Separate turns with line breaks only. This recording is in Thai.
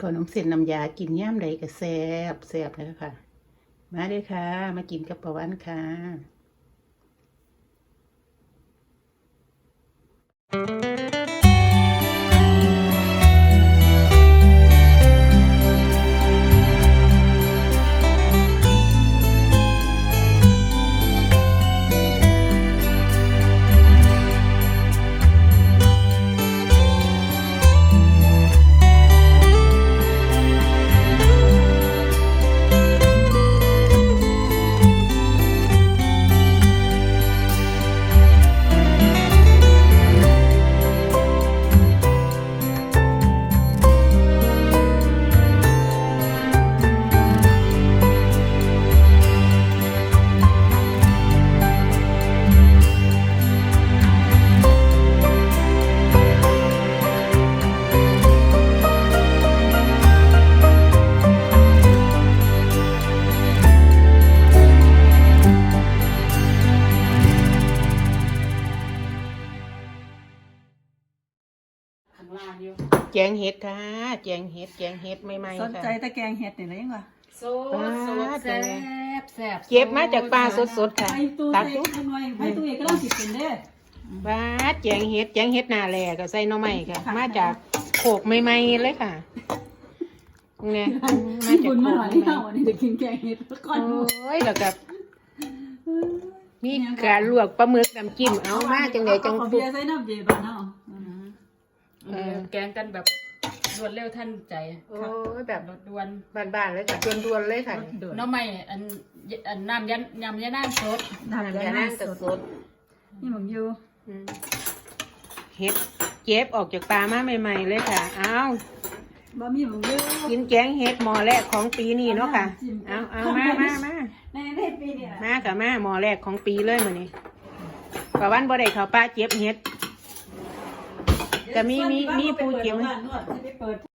ขนมเส้นน้ำยากินย่ามใดก็แซ่บแซ่บเลยค่ะมาเลยค่ะมากินกับประวันค่ะแจงเห็ดค่ะแจงเห็ดใหม่ๆค่ะ
สนใจตะแกงเห็ดนี่เลยยังวะ
สดแซ่บแซ่บ
เก็บมาจากปลาสดๆค่ะ
ไปตู้
ตัก
ใส่ข้างในไปตู้เอกก็ต้องสิบเป็นเด้อ
ว้าแจงเห็ดนาแลก็ใส่หน่อไม้ค่ะมาจากโขกใหม่ๆเลยค่ะเนี่ยมา
ญี่
จาก
ปุ่น
โข
มาก หน่อย
ใหม่
เท่าวันนี้จะกินแกงเห็ดก่อน
โอ้ยแล้วก็มีการลวกปลาหมึกน้ำจิ้มเอามาจังไดจัง
เอา
ปุ๊
เบียร์ใส่น้ำเย็นบ้านเนาะ
แกงกันแบบรวดเร็วทันใจ
โอ้ยแบบ
รสด่วน
บ้านๆเลยค่ะด่วนๆเลยค่ะ
น้องใหม่อันน้ำยำยะนางสด
น้ำ
น้ำ
ยาย
า
นา
นั่
ง
ง
ส
กับ
ด
สด
นี่หมึงอยู่
เห็ดเก็บออกจากปลามาใหม่ๆเลยค่ะเอา
บะหมี่หมึงอยู่
กินแกงเห็ดหม้อแรกของปีนี้เนาะค่ะเอามา
ในปีนี้
มากับมาหม้อแรกของปีเลยมื้อนี้ประวันบ่ได้เข้าป่าเก็บเห็ดก็มีผู้เก็บ